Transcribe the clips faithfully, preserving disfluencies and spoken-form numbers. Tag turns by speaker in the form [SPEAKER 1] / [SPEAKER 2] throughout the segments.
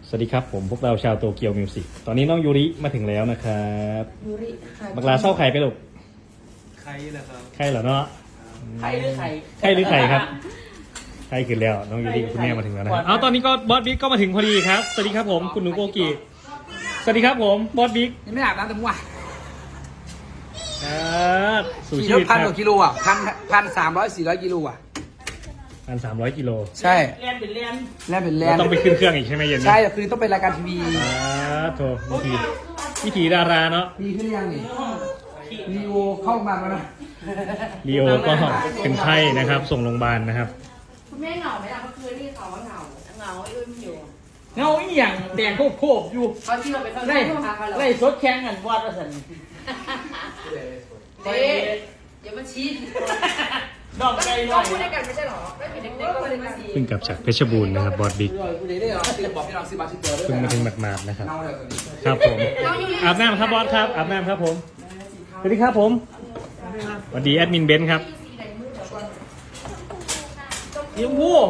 [SPEAKER 1] สวัสดีครับผมพวกเราชาวโตเกียวมิวสิกตอนนี้น้องยูริมาถึงแล้วนะครับ
[SPEAKER 2] ยูริ
[SPEAKER 1] บักลาเศร้าไข่ไปลูก
[SPEAKER 3] ใครนะครับ
[SPEAKER 1] ไข่เหรอเนาะ
[SPEAKER 2] ไข่หรือไข่
[SPEAKER 1] ไข่หรือไข่ครับไข่ขึ้นแล้วน้องยูริกับคุณแม่มาถึงแล้วนะครับเอาตอนนี้ก็บอสบิ๊กก็มาถึงพอดีครับสวัสดีครับผมคุณหนูโกกิสวัสดีครับผมบอสบิ๊ก
[SPEAKER 2] ยังไม่อาบน้ำแต่เมื่อวาน
[SPEAKER 1] ครับสู่
[SPEAKER 2] ขี่
[SPEAKER 1] ชี
[SPEAKER 2] รถ
[SPEAKER 1] วิตค
[SPEAKER 2] พั
[SPEAKER 1] รั
[SPEAKER 2] น
[SPEAKER 1] บ
[SPEAKER 2] กว่ากิโลอ่ะพันพันสามร้อยสี่ร้อยกิโลอ่ะ
[SPEAKER 1] พันสามร้อยกิโล
[SPEAKER 2] ใช่
[SPEAKER 4] เรียนเป็นเรียน
[SPEAKER 2] แล่นเป็นแล่
[SPEAKER 1] เรา
[SPEAKER 2] น
[SPEAKER 1] ต้องไปขึ้นเครื่องอีกใช่ไหมเย็นนี้
[SPEAKER 2] ใช่คือต้องเป็นรายการทีวี
[SPEAKER 1] อ่าโถวิธีวิธีดาราเนาะ
[SPEAKER 2] มีขึ้นหรือยังนี่รีโอเข้ามาแล้วนะ
[SPEAKER 1] ลีโอก็เป็นไข้นะครับส่งโรงพยาบาลนะครับ
[SPEAKER 4] คุณแม่เหงาไหมล่ะเมื่อคืนที่เขาว่าเหงาเหงาไอ้อุ้ยมันอยู่
[SPEAKER 3] เงาอีหยังแดงโคบโคบอยู่
[SPEAKER 4] เขาที่เราไปเข้า
[SPEAKER 3] ไล่
[SPEAKER 4] ห้องพักเขาเหรอ
[SPEAKER 3] ไล่สดแข่งกันวาดสัน
[SPEAKER 4] เต้อย่ามาชี้
[SPEAKER 3] ดอกไก่หน่
[SPEAKER 4] ก็
[SPEAKER 3] อย
[SPEAKER 4] พูดด้วยกันไม่ใช่หรอไม่เป็นเด็กๆก็เลยมาชี้
[SPEAKER 1] เพิ่งกลับจากเพชรบูรณ์นะครับบอสบิ๊ก
[SPEAKER 2] กูได้ได้เหรอซื้อบอกพี่น้องซื้อบาชิเตอร์ด้วย
[SPEAKER 1] เพิ่งมาถึงหมาดๆนะครับ
[SPEAKER 2] เน่าเลยตัวนี้
[SPEAKER 1] ครับผมอาบน้ำครับบอสครับอาบน้ำครับผมสวัสดีครับผมสวัสดีแอดมินเบนซ์ครับ
[SPEAKER 3] ยิงผู้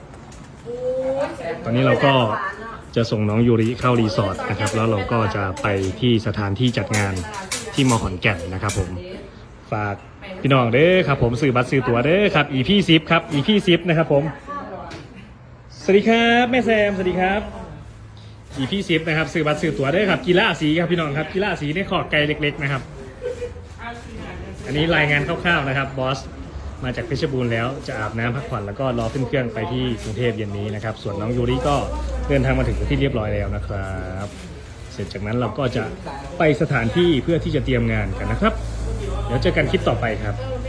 [SPEAKER 1] ตอนนี้เราก็จะส่งน้องยูริเข้ารีสอร์ทนะครับแล้วเราก็จะไปที่สถานที่จัดงานที่มอขอนแก่นนะครับผมฝากพี่น้องเด้อครับผมซื้อบัตรซื้อตั๋วเด้อครับ อี พี สิบครับ อี พี สิบนะครับผมสวัสดีครับแม่แซมสวัสดีครับ อี พี สิบนะครับซื้อบัตรซื้อตั๋วเด้อครับกีฬาสีครับพี่น้องครับกีฬาสีในขอบไกลเล็กๆนะครับอันนี้รายงานคร่าวๆนะครับบอสมาจากเพชรบูรณ์แล้วจะอาบน้ำพักผ่อนแล้วก็รอขึ้นเครื่องไปที่กรุงเทพเย็นนี้นะครับส่วนน้องยูริก็เดินทางมาถึงที่เรียบร้อยแล้วนะครับเสร็จจากนั้นเราก็จะไปสถานที่เพื่อที่จะเตรียมงานกันนะครับเดี๋ยวเจอกันคลิปต่อไปครับ